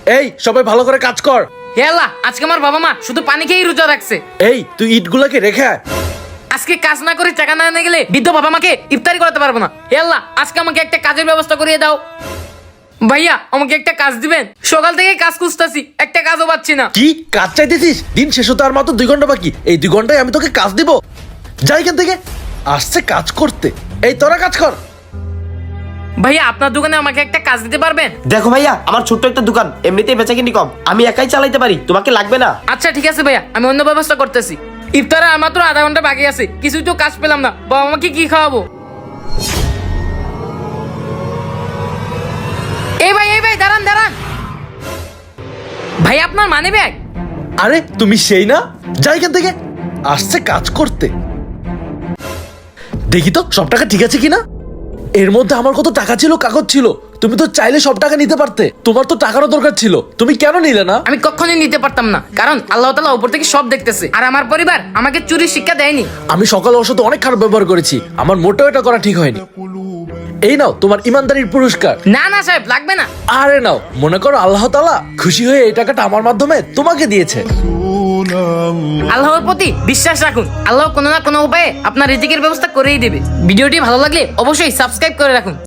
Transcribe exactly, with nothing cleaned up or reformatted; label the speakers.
Speaker 1: এই সবাই ভালো করে কাজ কর।
Speaker 2: হে আল্লাহ, আজকে আমার বাবা মা শুধু পানি খেয়েই রোজা রাখছে।
Speaker 1: এই তুই ইটগুলোকে রেখে আয়।
Speaker 2: আজকে কাজ না করে টাকা না এনে গেলে বৃদ্ধ বাবা মাকে ইফতারি করতে পারবো না। হে আল্লাহ, আজকে আমাকে একটা কাজের ব্যবস্থা করিয়ে দাও। ভাইয়া আমাকে একটা কাজ দিবেন? সকাল থেকে কাজ খুঁজতেছি, একটা কাজও পাচ্ছি না।
Speaker 1: কি কাজ চাইতেছিস? দিন শেষ হতে আর মাত্র দুই ঘন্টা বাকি, এই দুই ঘন্টায় আমি তোকে কাজ দিব? যাই এখান থেকে। আসছে কাজ করতে। এই তোরা কাজ কর।
Speaker 2: ভাইয়া আপনার দোকানে আমাকে একটা কাজ দিতে পারবেন?
Speaker 3: দেখো ভাইয়া, আমার ছোট্ট একটা দোকান, এমনিতেই বেচাকিনি কম, আমি একাই চালাইতে পারি, তোমাকে লাগবে না।
Speaker 2: আচ্ছা ঠিক আছে ভাইয়া, আমি অন্য ব্যবস্থা করতেছি। ইফতারে আর মাত্র আধা ঘন্টা বাকি আছে, কিছুই তো কাজ পেলাম না। বাবা মাকে কি খাওয়াবো? এই ভাই এই ভাই দাঁড়ান দাঁড়ান। ভাই আপনার মানি ব্যাগ?
Speaker 1: আরে তুমি সেই না? যাই এখান থেকে। আসছে কাজ করতে। দেখি তো সব টাকা ঠিক আছে কিনা। এর মধ্যে আমার কত টাকা ছিল, কাগজ ছিল। তুমি তো চাইলে সব টাকা নিতে পারতে, তোমার তো টাকারও দরকার ছিল, তুমি কেন নিলে না?
Speaker 2: আমি কখনোই নিতে পারতাম না, কারণ আল্লাহ তাআলা উপর থেকে সব দেখতেছে, আর আমার পরিবার আমাকে চুরির শিক্ষা দেয়নি।
Speaker 1: আমি সকালে ওর সাথে অনেক খারাপ ব্যবহার করেছি, আমার মোটেও এটা করা ঠিক হয়নি। এই নাও তোমার ইমানদারির পুরস্কার।
Speaker 2: না না সাহেব, লাগবে না।
Speaker 1: আরে নাও, মনে করো আল্লাহ তাআলা খুশি হয়ে এই টাকাটা আমার মাধ্যমে তোমাকে দিয়েছে।
Speaker 2: আল্লাহর প্রতি বিশ্বাস রাখুন, আল্লাহ কোনো না কোনো উপায়ে আপনার রিজিকের ব্যবস্থা করেই দেবে। ভিডিওটি ভালো লাগলে অবশ্যই সাবস্ক্রাইব করে রাখুন।